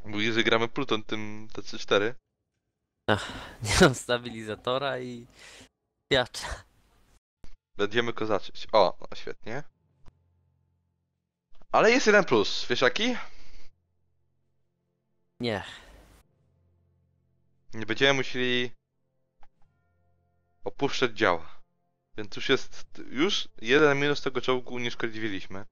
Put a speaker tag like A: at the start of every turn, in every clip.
A: Mówisz, że gramy Pluton tym TC4.
B: Nie mam stabilizatora i piacza.
A: Będziemy kozaczyć. O, no świetnie. Ale jest jeden plus, wiesz jaki?
B: Nie.
A: Nie będziemy musieli opuszczać działa. Więc już jest jeden minus tego czołgu unieszkodliwiliśmy.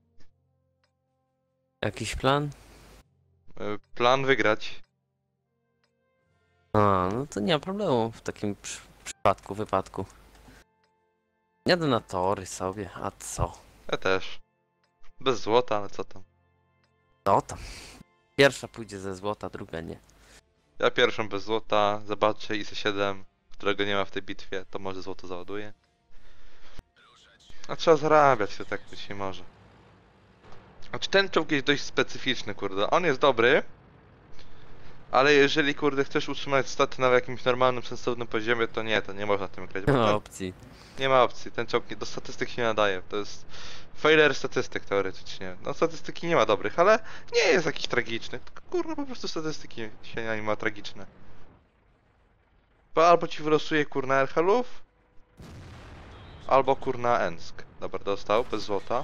B: Jakiś plan?
A: Plan wygrać.
B: A, no to nie ma problemu w takim wypadku. Jadę na tory sobie, a co?
A: Ja też. Bez złota, ale co tam.
B: Co tam? Pierwsza pójdzie ze złota, druga nie.
A: Ja pierwszą bez złota, zobaczę IS-7, którego nie ma w tej bitwie, to może złoto załaduje. A trzeba zarabiać, to tak być nie może. Znaczy ten czołg jest dość specyficzny, kurde. On jest dobry, ale jeżeli, kurde, chcesz utrzymać staty na jakimś normalnym, sensownym poziomie, to nie można tym grać, bo
B: Nie ma
A: ten,
B: opcji.
A: nie ma opcji. Ten czołg do statystyk się nie nadaje. To jest failure statystyk teoretycznie. No statystyki nie ma dobrych, ale nie jest jakiś tragiczny. Tylko, kurde, po prostu statystyki się nie ma tragiczne. Bo albo ci wylosuje kurna Erhalów, albo kurna Ensk. Dobra, dostał, bez złota.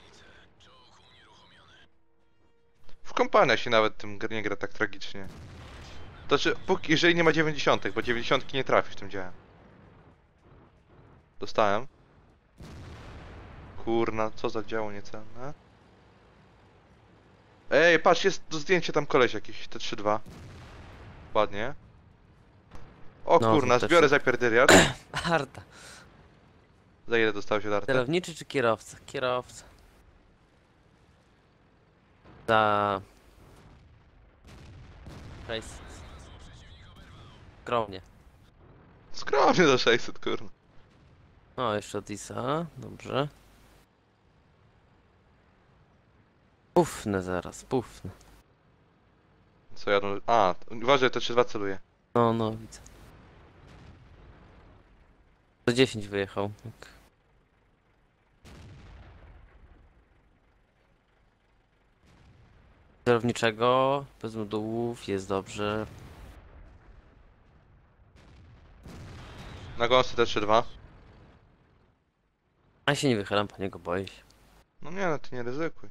A: W kompania się nawet tym nie gra tak tragicznie. To znaczy, jeżeli nie ma 90, bo 90 nie trafisz tym działem. Dostałem. Kurna, co za działo niecenne. Ej, patrz, jest do zdjęcia tam koleś jakiś, T32. Ładnie. O
B: No,
A: kurna,
B: to też
A: zbiorę
B: jest.
A: zapierdyliard.
B: Arta.
A: Za ile dostałeś od Arty?
B: Kierowniczy czy kierowca? Kierowca. Za... 600. Skromnie.
A: Skromnie do 600, kurna.
B: O, jeszcze od Isa. Dobrze. Pufnę zaraz, pufnę.
A: Co jadą? A, uważaj, T32 celuje.
B: No, no, widzę. 110 wyjechał. Tak. Kierowniczego, bez modułów, jest dobrze.
A: Na gąsce T32.
B: A ja się nie wychylam, po niego boję się.
A: No nie, no ty nie ryzykuj.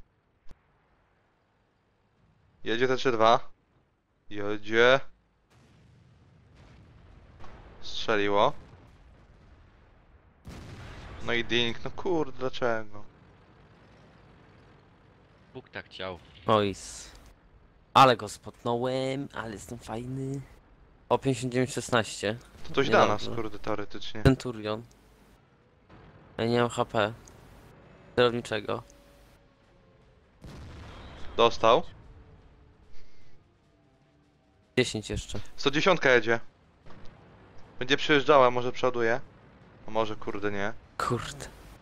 A: Jedzie T32. Jedzie. Strzeliło. No i ding, no kurde, dlaczego?
C: Bóg tak chciał.
B: Ois. Ale go spotnąłem, ale jestem fajny. O 59-16.
A: To coś da nas,
B: Niedobrze.
A: kurde, teoretycznie.
B: Centurion. Ja nie mam HP. Kierowniczego.
A: Dostał.
B: 10 jeszcze.
A: 110 jedzie. Będzie przyjeżdżała, może przoduje. A może kurde nie.
B: Kurde.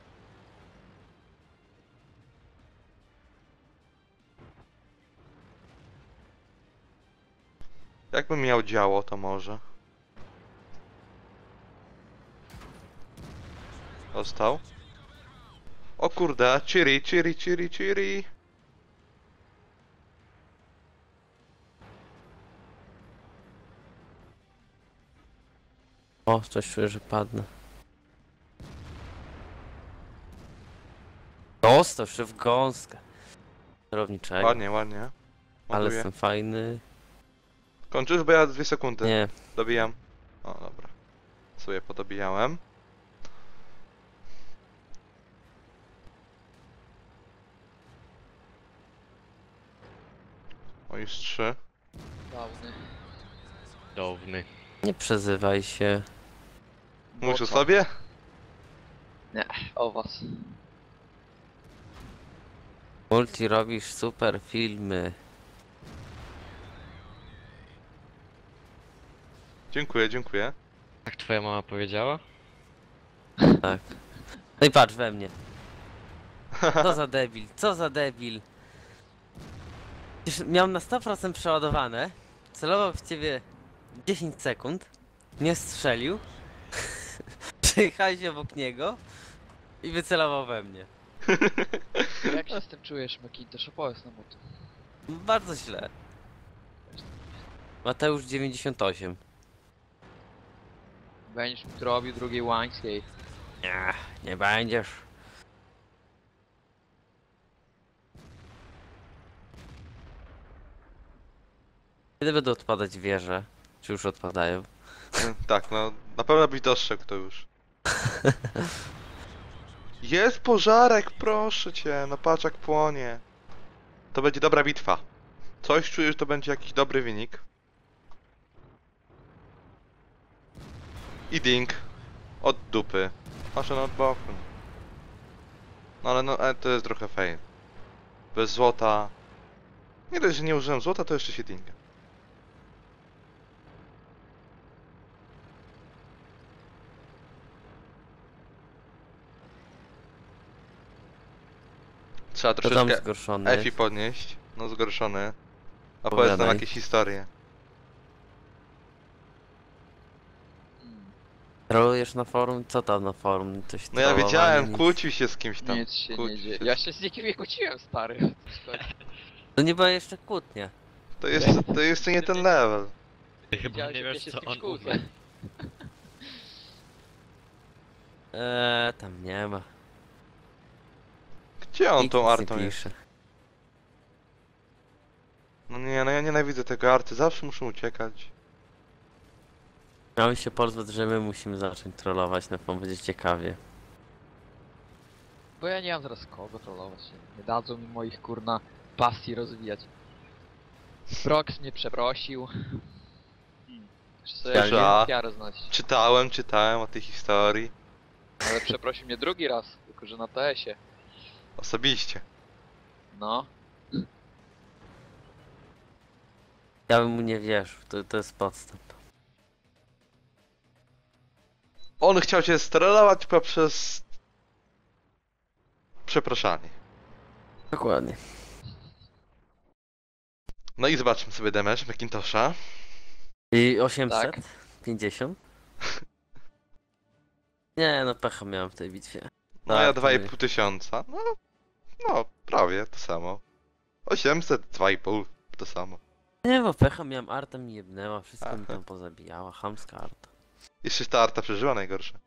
A: Jakbym miał działo, to może. Dostał. O kurde, Chiri, Chiri, Chiri, Chiri.
B: O, coś czuję, że padnę. Dostał się w gąskę. Kierowniczego.
A: Ładnie, ładnie.
B: Ale
A: Ładuję.
B: jestem fajny.
A: Kończysz, bo ja 2 sekundy.
B: Nie.
A: Dobijam. O, dobra. Sobie podobijałem. O, już 3.
D: Dawny.
C: Downy.
B: Nie przezywaj się.
A: Mówisz o
D: co?
A: sobie?
D: O was.
B: Multi robisz super filmy.
A: Dziękuję, dziękuję.
C: Tak twoja mama powiedziała?
B: Tak. No i patrz we mnie. Co za debil, co za debil. Przecież miałem na 100% przeładowane. Celował w ciebie 10 sekund. Nie strzelił. Przejechałeś obok niego. I wycelował we mnie.
D: Jak się z tym czujesz, Macintosh? Opowiedz nam o tym.
B: Bardzo źle. Mateusz 98.
D: Będziesz mi tu robił drugiej łańskiej.
B: Nie, nie będziesz. Kiedy będą odpadać wieże? Czy już odpadają?
A: Tak, no na pewno byś dostrzegł to już. Jest pożarek, proszę cię, no patrz jak płonie. To będzie dobra bitwa. Coś czuję, że to będzie jakiś dobry wynik. I ding. Od dupy. Maszę od boku. No ale no, to jest trochę fail. Bez złota. Nie dość, że nie użyłem złota, to jeszcze się dinga. Trzeba
B: To tam
A: troszeczkę
B: zgorszony
A: Efi
B: jest.
A: podnieść. No zgorszony. Opowiedz nam
B: Opowiadaj.
A: jakieś historie.
B: Trolujesz na forum? Co tam na forum? Coś
A: No ja
B: trollowanie,
A: wiedziałem,
B: nic?
A: kłócił się z kimś tam.
D: Nic się nie
A: Kłócił
D: dzieje.
A: się.
D: Ja się z nikim nie kłóciłem, stary.
B: To nie była jeszcze kłótnia.
A: To jeszcze nie ten level.
C: Ty chyba
D: Widziałeś,
C: nie
D: jak ja
C: wiesz
D: się z
C: co
D: kimś
C: on
D: kłócę.
C: umie.
B: Tam nie ma.
A: Gdzie on
B: Nikt
A: tą
B: nic nie
A: artą jest?
B: pisze.
A: No nie, no ja nienawidzę tego arty, zawsze muszę uciekać.
B: Miałem się pozwać, że my musimy zacząć trollować, na pewno będzie ciekawie.
D: Bo ja nie mam zaraz kogo trollować. Nie dadzą mi moich kurna pasji rozwijać. Prox mnie przeprosił. Jeszcze sobie
A: Słysza.
D: piarę znosić.
A: Czytałem o tej historii.
D: Ale przeprosił mnie drugi raz, tylko że na TS-ie.
A: Osobiście.
D: No.
B: Ja bym mu nie wierzył, to jest podstęp.
A: On chciał cię strollować poprzez... przepraszanie.
B: Dokładnie.
A: No i zobaczmy sobie damage Macintosha.
B: I 800?
D: Tak.
B: 50? Nie, no pecha miałem w tej bitwie.
A: No ja
B: to
A: 2,5 tysiąca. No, prawie to samo. 800, 2,5 to samo.
B: Nie, bo pecha miałem, arta mi jebnęła, wszystko mi
A: Aha.
B: tam pozabijała, chamska arta.
A: Jeszcze ta arta przeżyła najgorsze.